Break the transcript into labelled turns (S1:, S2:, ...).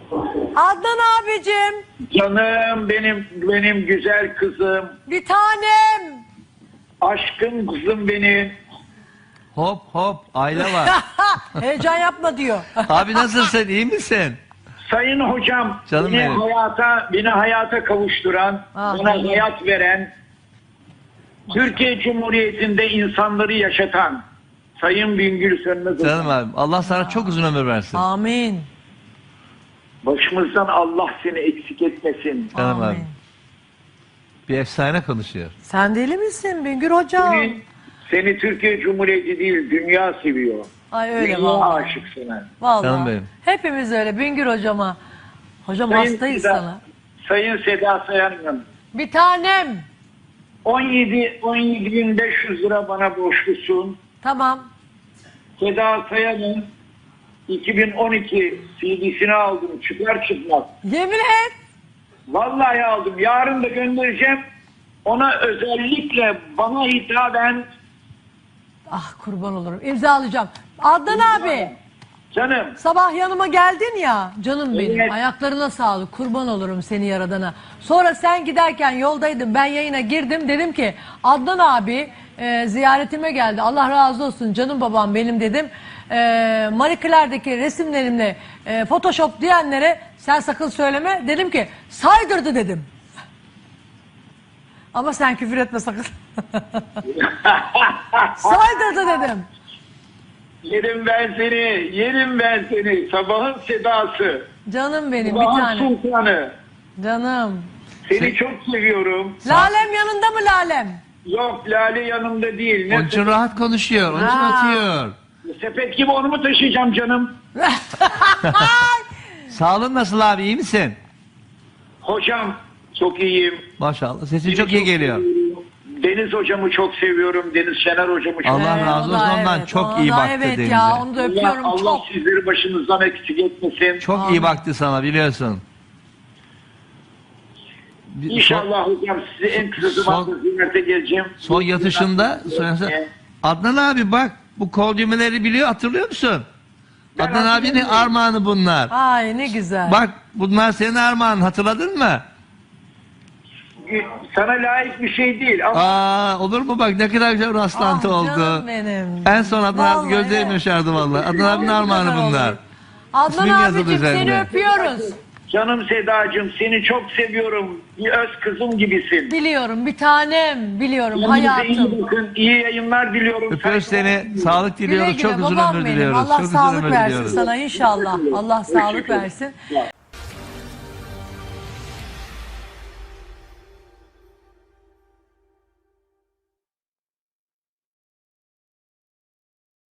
S1: Adnan abicim.
S2: Canım benim güzel kızım.
S1: Bir tanem.
S2: Aşkım kızım benim.
S3: Hop hop aile var.
S1: Heyecan yapma diyor.
S3: Abi nasılsın, iyi misin?
S2: Sayın hocam,
S3: Canım
S2: beni
S3: benim.
S2: hayata kavuşturan, bana hayat veren, Türkiye Cumhuriyeti'nde insanları yaşatan Sayın Bingöl Sönmez hocam.
S3: Canım abi, Allah sana çok uzun ömür versin.
S1: Amin.
S2: Başımızdan Allah seni eksik etmesin.
S3: Canım abi.
S1: Amin.
S3: Bir efsane konuşuyor.
S1: Sen deli misin Bingöl hocam?
S2: Seni Türkiye Cumhuriyeti değil, dünya seviyor.
S1: Ay öyle
S2: Dünya
S1: vallahi.
S2: aşık sana.
S1: Vallahi.
S3: Canım benim.
S1: Hepimiz öyle Bingöl hocama. Hocam hastayız sana.
S2: Sayın Seda Sayan'ın
S1: Bir tanem.
S2: 17.500 lira bana borçlusun.
S1: Tamam.
S2: Seda Sayan'ın 2012 CD'sini aldım çıkar çıkmaz.
S1: Yemin et.
S2: Vallahi aldım. Yarın da göndereceğim. Ona özellikle bana hitaben
S1: Ah kurban olurum. İmzalayacağım. Adnan abi.
S2: canım
S1: Sabah yanıma geldin ya. Canım benim.
S2: Evet.
S1: Ayaklarına sağlık. Kurban olurum seni yaradana. Sonra sen giderken yoldaydım. Ben yayına girdim. Dedim ki Adnan abi ziyaretime geldi. Allah razı olsun canım babam benim dedim. Marie Claire'deki resimlerimle Photoshop diyenlere sen sakın söyleme. Dedim ki saydırdı dedim. Ama sen küfür etme sakın. Saydırdı dedim.
S2: yerim ben seni. Sabahın sedası.
S1: Canım benim bir
S2: Sabahın
S1: tane.
S2: sultanı.
S1: Canım.
S2: Seni çok seviyorum.
S1: Lalem yanında mı Lalem?
S2: Yok Lale yanımda değil.
S3: Onun için rahat konuşuyor, onun için
S1: Ha.
S3: atıyor.
S2: Sepet gibi onu mu taşıyacağım canım?
S3: Sağlığın nasıl abi, iyi misin?
S2: Hocam çok iyiyim.
S3: Maşallah, sesin çok iyi geliyor.
S2: seviyorum. Deniz hocamı çok seviyorum. Deniz Şener hocamı çok
S3: Allah razı
S1: o da
S3: olsun, ondan çok
S1: ona
S3: iyi
S1: da
S3: baktı
S1: evet
S3: Deniz'e.
S1: ya onu da öpüyorum
S2: Allah
S1: çok.
S2: sizleri başınızdan eksik etmesin.
S3: Çok iyi baktı sana, biliyorsun.
S2: İnşallah hocam size en kısa zamanda ziyarete geleceğim.
S3: Son yatışında Adnan abi bak, bu kol düğmeleri biliyor, hatırlıyor musun?
S2: Ben
S3: Adnan abinin
S2: hatırlıyorum.
S3: armağanı bunlar.
S1: Ay ne güzel.
S3: Bak bunlar senin armağanın, hatırladın mı?
S2: Sana layık bir şey değil ama
S3: Aa, olur mu bak, ne kadar güzel rastlantı
S1: Ah,
S3: oldu.
S1: canım benim.
S3: En son Adnan abi
S1: Vallahi
S3: gözlerim
S1: evet.
S3: yaşardı vallahi. Adnan abinin
S1: Ne
S3: armağanı
S1: kadar
S3: bunlar.
S1: olur. Adnan
S3: İsmim yazılı
S1: abicim seni
S3: üzerinde.
S1: öpüyoruz.
S2: canım Sedacığım seni çok seviyorum. Bir öz kızım gibisin.
S1: Biliyorum bir tanem biliyorum
S2: Kendinize iyi
S1: hayatım.
S2: bakın. İyi yayınlar diliyorum.
S3: Öpüyoruz
S2: Saygılar
S3: seni, sağlık
S1: Güle
S3: diliyoruz,
S1: güle
S3: çok uzun
S1: babam
S3: ömür
S1: benim.
S3: diliyoruz.
S1: Allah
S3: Çok uzun
S1: sağlık
S3: ömür
S1: versin
S3: diliyoruz.
S1: sana inşallah. Allah sağlık versin.